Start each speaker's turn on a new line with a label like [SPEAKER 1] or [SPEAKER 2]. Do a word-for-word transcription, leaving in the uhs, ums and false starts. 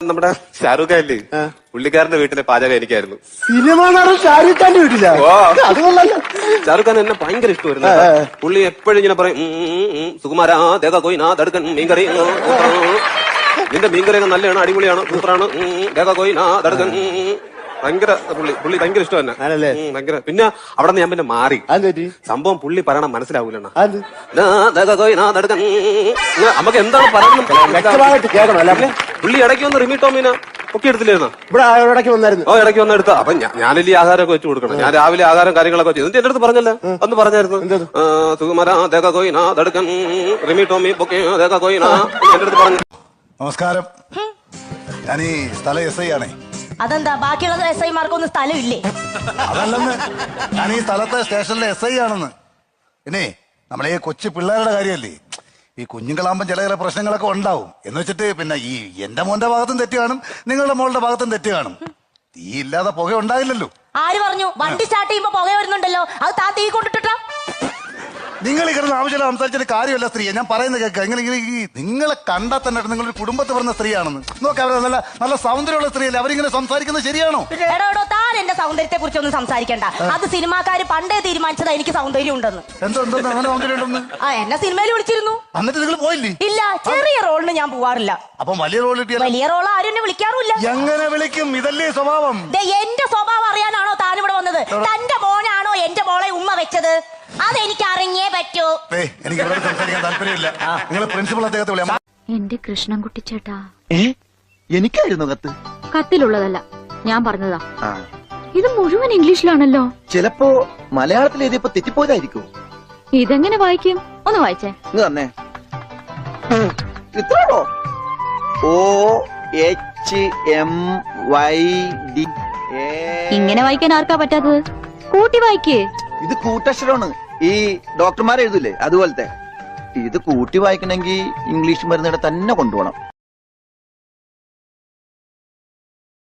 [SPEAKER 1] നമ്മുടെ ഷാരൂഖ് ഖാൻ ഇല്ലേ, പുള്ളിക്കാരന്റെ വീട്ടിലെ പാചകം എനിക്കായിരുന്നു.
[SPEAKER 2] സിനിമ നടൻ ഷാരൂഖ് ഖാന്റെ വീട്ടില അതുകൊള്ളല്ലോ.
[SPEAKER 1] ഷാരൂഖ് ഖാൻ എന്നെ ഭയങ്കര ഇഷ്ടമായിരുന്നു. പുള്ളി എപ്പോഴും ഇങ്ങനെ പറയും, സുകുമാരാ ദേഖ കോയിനാ ദടക്കൻ മീൻകറി, നിന്റെ മീൻകറിയൊക്കെ നല്ലതാണ്, അടിപൊളിയാണ്, സൂപ്പറാണ്, ദേഖ കോയിനാ ദടക്കൻ. ഭയങ്കര പുള്ളി പുള്ളി ഭയങ്കര ഇഷ്ടം തന്നെ. ഭയങ്കര. പിന്നെ അവിടെ നിന്ന് ഞാൻ പിന്നെ മാറി. സംഭവം പുള്ളി പറയണം മനസ്സിലാവൂല. നമുക്ക് എന്താണ് പറയുന്നത് പുള്ളി ഇടയ്ക്ക് വന്ന് റിമി ടോമിനെ ഒക്കെ എടുത്തില്ലായിരുന്നോ?
[SPEAKER 2] ഇവിടെ ഇടയ്ക്ക് വന്നായിരുന്നു.
[SPEAKER 1] ഓ ഇടയ്ക്ക് വന്ന് എടുത്ത. അപ്പൊ ഞാനില്ലേ ആഹാരമൊക്കെ വെച്ച് കൊടുക്കണം. ഞാൻ രാവിലെ ആഹാരം കാര്യങ്ങളൊക്കെ ചെയ്തു. എന്റെ അടുത്ത് പറഞ്ഞല്ലേ, അന്ന് പറഞ്ഞായിരുന്നു, സുകുമാരാ ദേഖ കോയിനാ ദടക്കൻ റിമി ടോമി പൊക്കെ ദേഖ കോയിനാ എന്റെ അടുത്ത് പറഞ്ഞു.
[SPEAKER 3] നമസ്കാരം, ഞാൻ ഈ സ്ഥല എസ് ഐ ആണേ.
[SPEAKER 4] അതെന്താ ബാക്കിയുള്ള എസ് ഐമാർക്കൊന്നും സ്ഥലമില്ലേ?
[SPEAKER 3] അതല്ലെന്ന്, ഞാൻ ഈ സ്ഥലത്തെ സ്റ്റേഷനിലെ എസ് ഐ ആണെന്ന്. പിന്നെ നമ്മളെ ഈ കൊച്ചു പിള്ളേരുടെ കാര്യമല്ലേ, ഈ കുഞ്ഞുങ്ങളാകുമ്പോൾ ചില ചില പ്രശ്നങ്ങളൊക്കെ ഉണ്ടാവും. എന്ന് വെച്ചിട്ട് പിന്നെ ഈ എന്റെ മോന്റെ ഭാഗത്തും തെറ്റ് കാണും, നിങ്ങളുടെ മോളുടെ ഭാഗത്തും തെറ്റ് കാണും. തീ ഇല്ലാതെ പുക ഉണ്ടാവില്ലല്ലോ.
[SPEAKER 4] ആര് പറഞ്ഞു? വണ്ടി സ്റ്റാർട്ട് ചെയ്യുമ്പോ പുക വരുന്നുണ്ടല്ലോ, അത് താ തീ കൊണ്ടിട്ടാ.
[SPEAKER 3] നിങ്ങൾ ഈ കിടന്ന് ആവശ്യമില്ല സംസാരിച്ചിട്ട് കാര്യമല്ല സ്ത്രീയെ. ഞാൻ പറയുന്നത് കേൾക്കുക. നിങ്ങൾ ഇങ്ങനെ ഈ നിങ്ങളെ കണ്ടാൽ തന്നെ നിങ്ങളൊരു കുടുംബത്തിൽ പറഞ്ഞ സ്ത്രീയാണെന്ന് നോക്കാം. അവർ നല്ല നല്ല സൗന്ദര്യമുള്ള സ്ത്രീയല്ലേ, അവരിങ്ങനെ സംസാരിക്കുന്നത് ശരിയാണോ?
[SPEAKER 4] എടോ താൻ എന്റെ സൗന്ദര്യത്തെ കുറിച്ചൊന്നും സംസാരിക്കണ്ട. അത് സിനിമാക്കാര് പണ്ടേ തീരുമാനിച്ചതാ എനിക്ക് സൗന്ദര്യം ഉണ്ടെന്ന്.
[SPEAKER 3] എന്തോ എന്തോ അങ്ങനെ സൗന്ദര്യം ഉണ്ടെന്ന്.
[SPEAKER 4] ആ എന്നെ സിനിമയിൽ വിളിച്ചിരുന്നു.
[SPEAKER 3] എന്നിട്ട് നിങ്ങൾ പോയില്ലേ?
[SPEAKER 4] ഇല്ല, ചെറിയ റോളിന് ഞാൻ പോവാറില്ല.
[SPEAKER 3] അപ്പൊ വലിയ റോൾ കിട്ടിയാൽ?
[SPEAKER 4] വലിയ റോൾ ആരും എന്നെ വിളിക്കാറുമില്ല.
[SPEAKER 3] എങ്ങനെ വിളിക്കും? ഇതല്ലേ സ്വഭാവം.
[SPEAKER 4] എന്റെ സ്വഭാവം അറിയാനാണോ താൻ ഇവിടെ വന്നത്? തന്റെ മോനാണോ എന്റെ മോളെ ഉമ്മ വെച്ചത്? അതെനിക്ക് അറിഞ്ഞേ പറ്റൂ.
[SPEAKER 3] എനിക്ക് ഇവിടെ സംസാരിക്കാൻ താല്പര്യമില്ല. നിങ്ങൾ പ്രിൻസിപ്പൾ അദ്ദേഹത്തെ വിളിയാ.
[SPEAKER 5] എന്റെ കൃഷ്ണൻകുട്ടി ചേട്ടാ.
[SPEAKER 6] എനിക്കായിരുന്നു കത്ത്.
[SPEAKER 5] കത്തിലുള്ളതല്ല, ഞാൻ പറഞ്ഞതാ. ഇത് മുഴുവൻ ഇംഗ്ലീഷിലാണല്ലോ.
[SPEAKER 6] ചിലപ്പോ മലയാളത്തിൽ എഴുതിയപ്പോ തെറ്റിപ്പോയതായിരിക്കും.
[SPEAKER 5] ഇതെങ്ങനെ വായിക്കും? ഒന്ന് വായിച്ചേ.
[SPEAKER 6] തന്നെ ഇത്രോ O H M Y D.
[SPEAKER 5] ഇങ്ങനെ വായിക്കാൻ ആർക്കാ പറ്റാത്തത്? കൂട്ടി വായിക്കേ.
[SPEAKER 6] ഇത് കൂട്ടക്ഷരമാണ്. ഈ ഡോക്ടർമാർ എഴുതൂലേ അതുപോലത്തെ. ഇത് കൂട്ടി വായിക്കണമെങ്കിൽ ഇംഗ്ലീഷ് മരുന്നിടെ തന്നെ കൊണ്ടുപോകണം.